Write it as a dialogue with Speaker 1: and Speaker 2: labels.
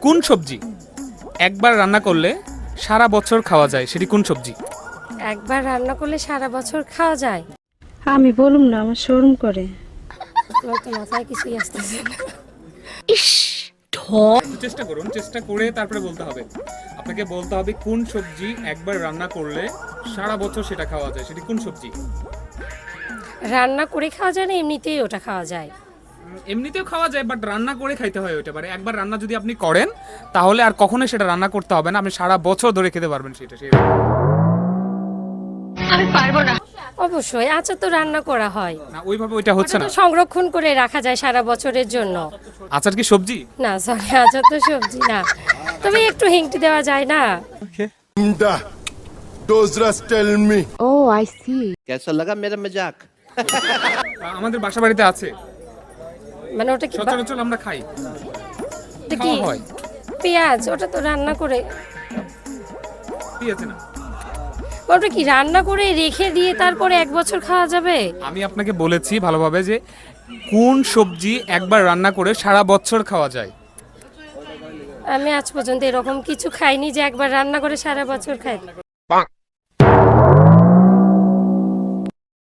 Speaker 1: কোন সবজি একবার রান্না করলে সারা বছর খাওয়া যায়, সেটি কোন সবজি?
Speaker 2: একবার রান্না করলে সারা বছর খাওয়া যায়?
Speaker 3: আমি বলুম না, আমার শরম করে।
Speaker 2: আমার তো মাথায় কিছুই আসতেছে না।
Speaker 1: একটু চেষ্টা করুন, চেষ্টা করে তারপরে বলতে হবে। আপনাকে বলতে হবে কোন সবজি একবার রান্না করলে সারা বছর সেটা খাওয়া যায়, সেটি কোন সবজি?
Speaker 2: রান্না করে খাওয়া যায় না এমনিতেই ওটা খাওয়া যায়?
Speaker 1: এমনিতেও খাওয়া যায়, বাট রান্না করে খাইতে হয় ওইটা। পারে একবার রান্না যদি আপনি করেন তাহলে আর কখনোই সেটা রান্না করতে হবে না, আপনি সারা বছর ধরে খেতে পারবেন সেটা।
Speaker 2: অবশ্যই আচার তো রান্না করা হয়,
Speaker 1: না, ওইভাবে ওইটা হচ্ছে
Speaker 2: ওটা
Speaker 1: না।
Speaker 2: তো সংরক্ষণ করে রাখা যায় সারা বছরের জন্য।
Speaker 1: আচার কি সবজি?
Speaker 2: না সরি, আচার তো সবজি না, তবে একটু হিংটি দেওয়া যায় না।
Speaker 4: Dozras tell me.
Speaker 5: कैसा लगा मेरा मजाक?
Speaker 1: আমাদের বাসা বাড়িতে আছে,
Speaker 2: মানে ওটা কি
Speaker 1: সচরাচর আমরা খাই,
Speaker 2: ওটা কি
Speaker 1: খাওয়া হয়।
Speaker 2: পেঁয়াজ? ওটা তো রান্না করে,
Speaker 1: পেঁয়াজ না।
Speaker 2: ওটা কি রান্না করে রেখে দিয়ে তারপরে এক বছর খাওয়া যাবে?
Speaker 1: আমি আপনাকে বলেছি ভালোভাবে যে কোন সবজি একবার রান্না করে সারা বছর খাওয়া যায়।
Speaker 2: আমি আজ পর্যন্ত এরকম কিছু খাইনি যে একবার রান্না করে সারা বছর খাই।